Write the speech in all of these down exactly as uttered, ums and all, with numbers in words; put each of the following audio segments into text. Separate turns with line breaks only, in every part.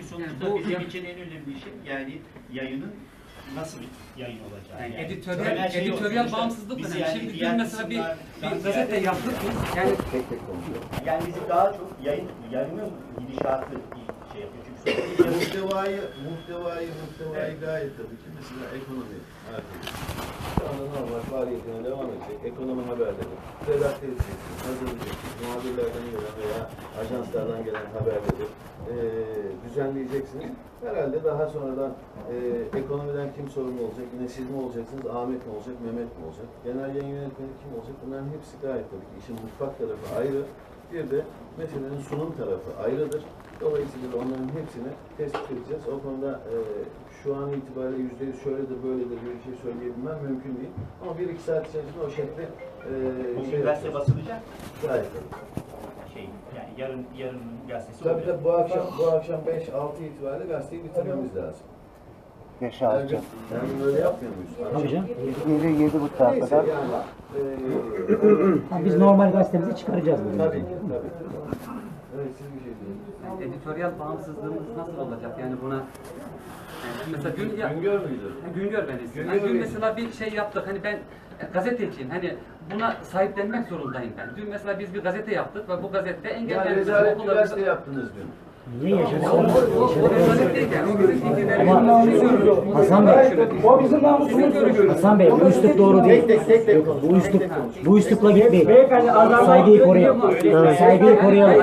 sonuçta
yani
bizim için en önemli şey yani yayının nasıl yayın olacağı.
Yani,
yani
editoryal,
şey
editoryal bağımsızlık önemli.
yani
Şimdi dün mesela bir, bir gazete yaptık biz. Yani
tek tek konuşuyor. Yani bizi daha çok yayın yayının gidişatı şey yapıyor. Çünkü
muhtevayı, muhtevayı, muhtevayı gayet tabii ki mesela ekonomi artık. Şu anda normal faaliyetine devam edecek. Ekonomi haberleri redakte edeceksiniz, hazırlayacaksınız. Muhabirlerden gelen veya ajanslardan gelen haberleri e, düzenleyeceksiniz. Herhalde daha sonradan e, ekonomiden kim sorumlu olacak? Yine siz mi olacaksınız? Ahmet mi olacak? Mehmet mi olacak? Genel yayın yönetmeni kim olacak? Bunların hepsi gayet tabii ki. İşin mutfak tarafı ayrı. Bir de meselenin sunum tarafı ayrıdır. Dolayısıyla onların hepsini tespit edeceğiz. O konuda e, şu an itibariyle yüzde yüz şöyledir, böyledir bir şey söyleyebilmem mümkün değil. Ama bir iki saat içerisinde o şekilde e,
bugün
şey
gazete basılacak.
gayet tabii.
Şey, yani yarın yarın gazetesi
Tabii
olacak.
tabii bu akşam, bu akşam beş altı itibariyle gazeteyi bitirmemiz lazım.
beş
Her
altı.
gün, her gün öyle yapmıyor muyuz?
Tabii canım. yedi yedi bu saat
Neyse
kadar.
yani. E,
Ha, biz normal gazetemizi çıkaracağız bugün.
tabii ki, tabii. Evet, siz bir şey diyorsunuz.
yani editoryal bağımsızlığımız nasıl olacak? Yani buna yani mesela dün ya,
Güngör müydü?
Güngör ben isim.
Güngör
Hani dün
Bey.
mesela bir şey yaptık. Hani ben e, gazeteciyim. Hani buna sahiplenmek zorundayım ben. Dün mesela biz bir gazete yaptık ve bu gazete
Yani
engellendi.
rezalet bir gazete yaptınız dün.
Niye yaşadık?
O rezalet değil yani. O bizim
Ama
fikirlerimiz.
Hasan Bey,
O bizim namusumuz.
Hasan Bey bu üslup doğru değil. Yok, bu üslup, bu üslupla gitmeyin.
Beyefendi adam
Saygıyı koruyalım. Saygıyı koruyalım.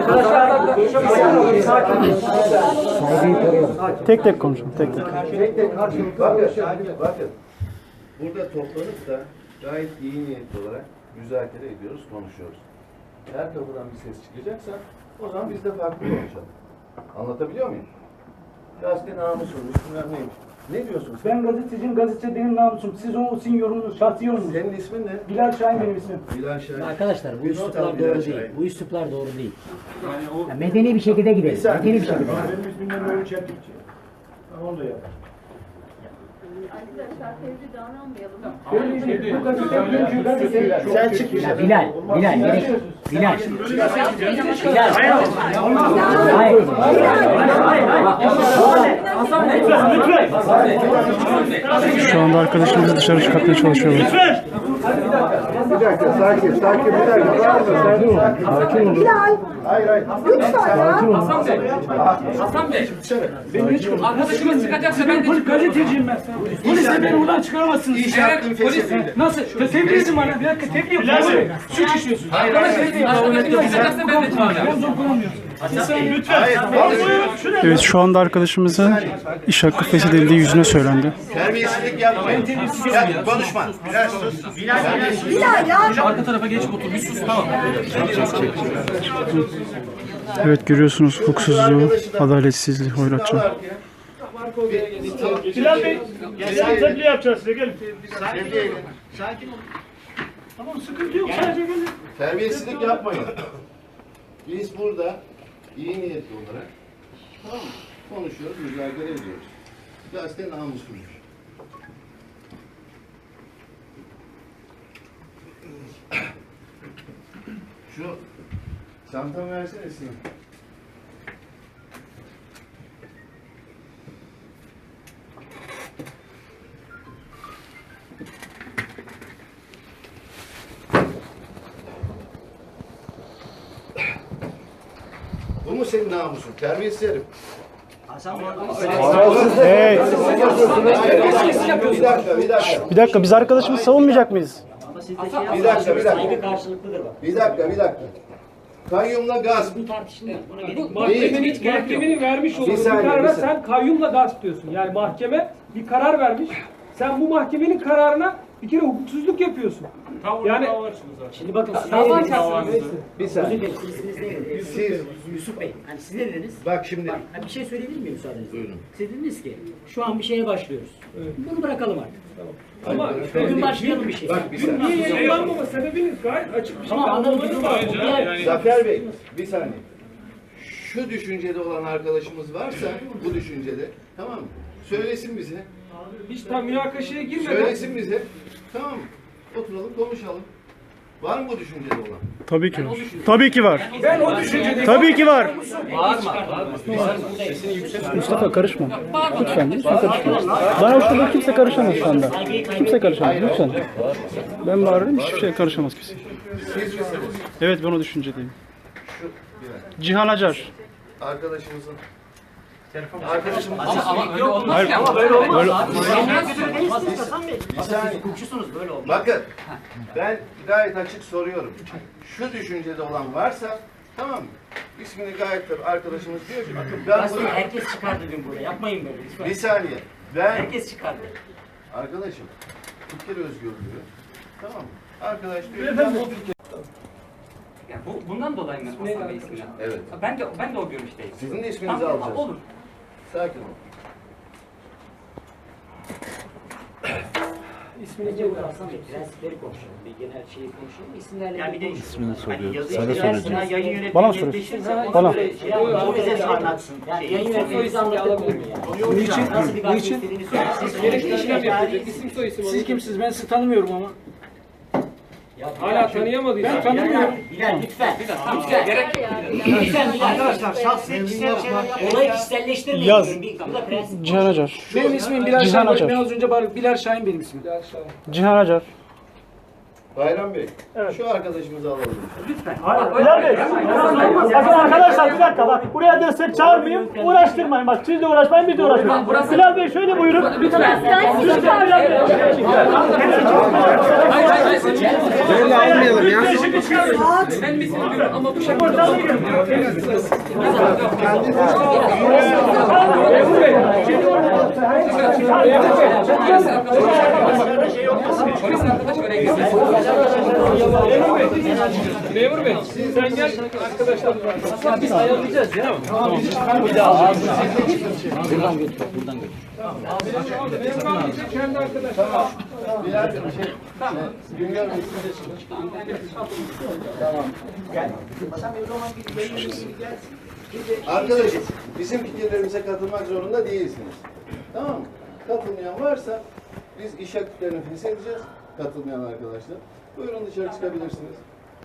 Saygıyı koruyalım.
Tek tek konuşun, tek tek.
Tek tek karşılıklı. Bakın, bakın. Burada toplanıp da gayet iyi niyetli olarak müzakere ediyoruz, konuşuyoruz. Her kapıdan bir ses çıkacaksa o zaman biz de farklı konuşalım. Anlatabiliyor muyum? Gazete namusuymuş, bilmem neymiş. Ne diyorsun sen?
Ben gazeteciyim, gazete benim namusum. Siz o sizin yorumunuz, şahsi yorumunuz.
Senin ismin ne?
Bilal Şahin benim ismim.
Bilal Şahin.
Arkadaşlar bu
Bir not al
üsluplar
Bilal
doğru
Şahin.
değil. Bu üsluplar doğru değil. Ya medeni bir şekilde gidelim. Medeni bir şekilde.
Benim ismimden böyle çeltikçi. Onu da yap.
Arkadaşlar tevzi davranmayalım.
Benim ismim bu gazete, dünkü gazete.
Sen çık
Ya Bilal, Bilal, gerek. Bilal. Bilal. Hayır.
Hasan Bey, Hasan Bey, Hasan Bey.
Şu anda arkadaşımızı dışarı çıkartmaya çalışıyorlar.
Bir dakika, sakin, sakin, bir dakika. Sakin ol. Sakin ol. Hayır, hayır.
Hasan Bey, Hasan Bey. Arkadaşımız çıkacaksa ben de çıkarım.
Gazeteciyim ben. Polise beni buradan çıkaramazsınız.
Evet, polis.
Nasıl? Tebliğ edin bana. Bir dakika tebliğ yapın. Suç işliyorsun.
Arkadaşımız çıkacaksa ben de çıkarım.
Zor kullanmıyorsun.
Evet, şu anda arkadaşımıza iş hakkı feshedildiği yüzüne söylendi.
Terbiyesizlik yapmayın. Ya, konuşma. Biraz sus.
Arka tarafa geç otur, bir sus, tamam.
Evet, görüyorsunuz hukuksuzluğu, adaletsizliği, hoyratçılığı.
Bilal Bey, sen tebliğ yapacağız size. Gelin.
Sakin ol.
Tamam, sıkıntı yok. Sadece gelin.
Terbiyesizlik yapmayın. Biz burada iyi niyetli olarak tamam mı? Konuşuyoruz, müzakere ediyoruz. Gazete namusludur. Şu çantamı versene Sinan. Bu mu senin namusun? Terbiyesiz herif.
Hey,
Bir dakika, bir dakika.
bir dakika, biz arkadaşımızı savunmayacak mıyız?
Bir dakika, bir dakika. Bir dakika, bir dakika. Kayyumla gasp.
Mahkemenin, mahkemenin vermiş olduğu
Bir
bir
saniye,
karara
bir saniye.
sen kayyumla gasp diyorsun. Yani mahkeme bir karar vermiş. Sen bu mahkemenin kararına bir kere hukuksuzluk yapıyorsun. Yani
Şimdi bakın siz
dava
ne dediniz?
açarsınız.
Bir saniye.
Siz isminiz ne dediniz?
Siz,
Yusuf Bey. Hani siz ne dediniz?
bak şimdi.
Bak, hani bir şey söyleyebilir miyim müsaadenizle?
Buyurun.
Siz dediniz ki şu an bir şeye başlıyoruz. Bunu bırakalım artık.
ama
Bugün başlayalım bir şey.
Bak bir saniye.
niye yayınlanmama sebebiniz gayet açık bir şey.
Tamam anladım.
Zafer Bey, bir saniye. Şu düşüncede olan arkadaşımız varsa, bu düşüncede, tamam mı? Söylesin bize.
Hiç tam münakaşaya girmeden
Söylesin bize. Tamam mı? Oturalım, konuşalım. Var mı bu düşüncede olan?
Tabii ki var. Tabii ki var.
Ben o düşüncedeyim.
Tabii ki var.
Bağırma, bağırma.
Mustafa karışma. Lütfen, lütfen karışma. Bana şurada kimse karışamaz şu anda. Kimse karışamaz, lütfen. Ben bağırırım, hiçbir şeye karışamaz kimse. Evet, ben o düşüncedeyim.
Şu bir dakika.
Cihan Acar.
Arkadaşımızın Arkadaşımız
Ama, ama öyle olmaz
Hayır,
ki ama.
böyle olmaz.
bir saniye.
Hukukçusunuz böyle olmaz.
Bakın ben gayet açık soruyorum. Şu düşüncede olan varsa tamam mı? İsmini gayet tabii arkadaşımız diyor ki bakın ben
Aslında
bunu...
herkes çıkardı dün buraya. Yapmayın böyle lütfen.
Bir saniye. Ben
Herkes çıkardı.
arkadaşım fikir özgürlüğü tamam mı? Arkadaş diyor ki ben bu fikir...
Yani bu, bundan dolayı mı Hasan Bey ismini?
Evet.
Ben de ben de o görüşteyim.
Sizin de isminizi
Tamam,
alacağız.
olur.
Sakin ol.
İsmini Cevdet Hasan Bey. Prensipleri konuşalım. Bir genel şeyi konuşalım. İsimlerle
Yani bir de
konuşalım.
hani yazı
Sana
işte
soracağım.
versene, yayın yönetmeni
Bana sor.
netleşirse
Bana.
ona göre şey yapalım. O bize anlatsın.
Yani
Şeyi.
yayın yönetmenimizi anlatabilir mi yani?
Niçin?
Nasıl bir gazete
Niçin?
istediğini söylesin.
Gerekli işlem yapacak. İsim soy isim.
Siz kimsiniz? Ben sizi tanımıyorum ama.
Hala tanıyamadıysan.
Tanımıyorum. Bilal lütfen. Lütfen.
Gerek
Lütfen Bilal. Arkadaşlar şahsi kişisel şeyler yapmayın. Olayı kişiselleştirmeyin.
Yaz.
Bir- Bu da prensip.
Cihan Acar.
Benim ismim Bilal
Cihan
Şahin.
Acar.
Ben az önce bağırdım. Bilal Şahin benim ismim.
Cihan Acar.
Bayram Bey, şu arkadaşımızı alalım.
Bilal Bey, bakın arkadaşlar bir dakika bak buraya destek çağırmayın, uğraştırmayın bak siz de uğraşmayın biz de uğraşmayın. Bilal Bey şöyle buyurun. Lütfen. Lütfen Bilal Bey.
Böyle almayalım ya.
ben mi istiyorum ama bu şekilde.
Memur Bey.
Polis arkadaş oraya girmesin.
Memur Bey. Memur Bey. Sen gel arkadaşlar. Biz ayarlayacağız ya. Tamam. Bir daha.
Buradan götür. Buradan götür.
Memur abi de kendi arkadaşlar.
Bilal Bey, şey, Güngör Bey siz de çıkın. Tamam. Arkadaşım, bizim fikirlerimize katılmak zorunda değilsiniz. Tamam mı? Katılmayan varsa biz iş aktiflerini feshedeceğiz. Katılmayan arkadaşlar. Buyurun dışarı çıkabilirsiniz.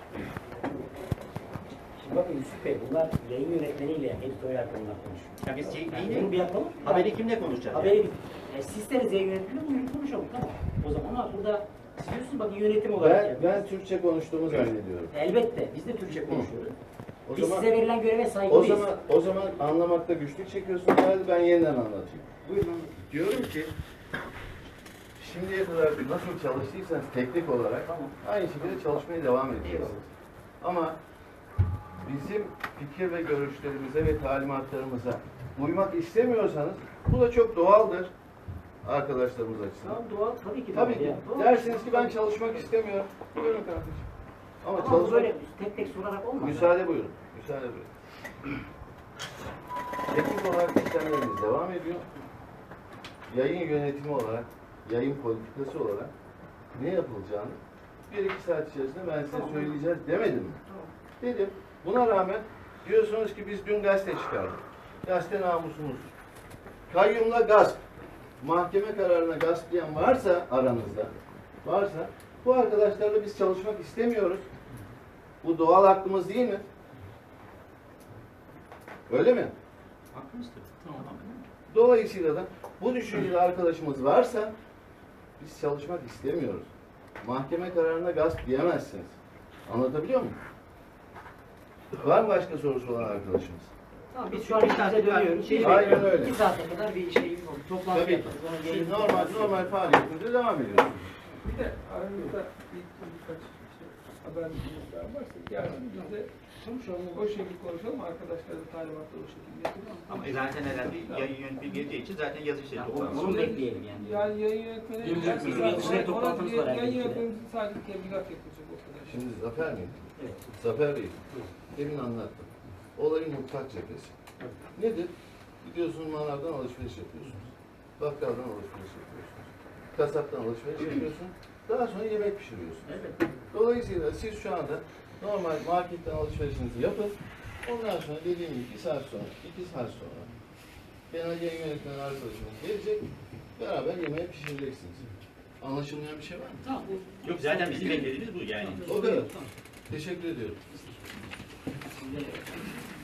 Şimdi bakın Yusuf Bey bunlar yayın yönetmeniyle editörler konular konuşuyor.
Ya biz şey,
Yani
neyle-
bunu bir yapalım.
haberi kimle konuşacağız?
Haberi bir. E, sistemiz yayın yönetmeni buyurun konuşalım tamam. O zaman ama burada siz diyorsunuz bakın yönetim olarak.
Ben,
yani.
ben Türkçe konuştuğumu zannediyorum.
Elbette biz de Türkçe konuşuyoruz.
O
Biz
zaman,
size verilen göreve
o
saygılıyız.
zaman, o zaman anlamakta güçlük çekiyorsunuz. Hadi ben yeniden anlatayım. Buyurun. Diyorum ki şimdiye kadar nasıl çalıştıysanız teknik olarak aynı şekilde çalışmaya devam edeceksiniz. Ama bizim fikir ve görüşlerimize ve talimatlarımıza uymak istemiyorsanız bu da çok doğaldır arkadaşlarımız açısından.
Tamam doğal tabii ki.
Tabii
doğal
ki.
ya. Doğal.
Dersiniz ki ben çalışmak istemiyorum. Buyurun kardeşim. Ama
Ama
çalışmak...
böyle tek tek sorarak olmaz.
Müsaade buyurun. Müsaade buyurun. Teknik olarak işlemlerimiz devam ediyor. Yayın yönetimi olarak, yayın politikası olarak ne yapılacağını bir iki saat içerisinde ben size söyleyeceğiz demedim mi? Dedim. Buna rağmen diyorsunuz ki biz dün gazete çıkardık. Gazete namusumuz. Kayyumla gasp. Mahkeme kararına gasplayan varsa aranızda, varsa bu arkadaşlarla biz çalışmak istemiyoruz. Bu doğal hakkımız değil mi? Öyle mi?
Hakkımız tabii. Tamam.
Dolayısıyla da bu düşünceli arkadaşımız varsa biz çalışmak istemiyoruz. Mahkeme kararına gasp diyemezsiniz. Anlatabiliyor muyum? Var mı başka sorusu olan arkadaşımız?
Tamam, biz şu an işimize dönüyoruz. Şey,
Aynen öyle.
İki saate kadar bir şey toplantı
Tabii ki.
yaparız. Sonra
Siz
yayın-
normal, normal faaliyetinize devam ediyorsunuz.
Bir de aramızda bir, birkaç işte haberler varsa gelsin biz de konuşalım. O şekilde konuşalım. Arkadaşlar da talimatları o şekilde yapalım.
Ama zaten herhalde yayın yönetmeni geleceği için zaten yazı işleri
Yani
toplanmış.
onu bekleyelim yani.
Yani yayın yönetmeni...
Yayın yönetmeni dışarı toplantımız var
Yayın
herhalde.
yönetmenimiz sadece tebligat yapacak o kadar.
Şimdi Zafer Bey,
Evet.
Zafer Bey, demin anlattım. Olayın mutlak cephesi. Nedir? Gidiyorsunuz manavdan alışveriş yapıyorsunuz. Bakkaldan alışveriş yapıyorsunuz. Kasaptan alışveriş yapıyorsunuz. Daha sonra yemek pişiriyorsunuz. Dolayısıyla siz şu anda normal marketten alışverişinizi yapın. Ondan sonra dediğim gibi bir saat sonra, iki saat sonra genel yayın yönetmeni arkadaşımız gelecek. Beraber yemeği pişireceksiniz. Anlaşılmayan bir şey var mı?
Tamam.
Yok zaten bizim beklediğimiz bu yani.
O kadar. Teşekkür ediyorum.
Bu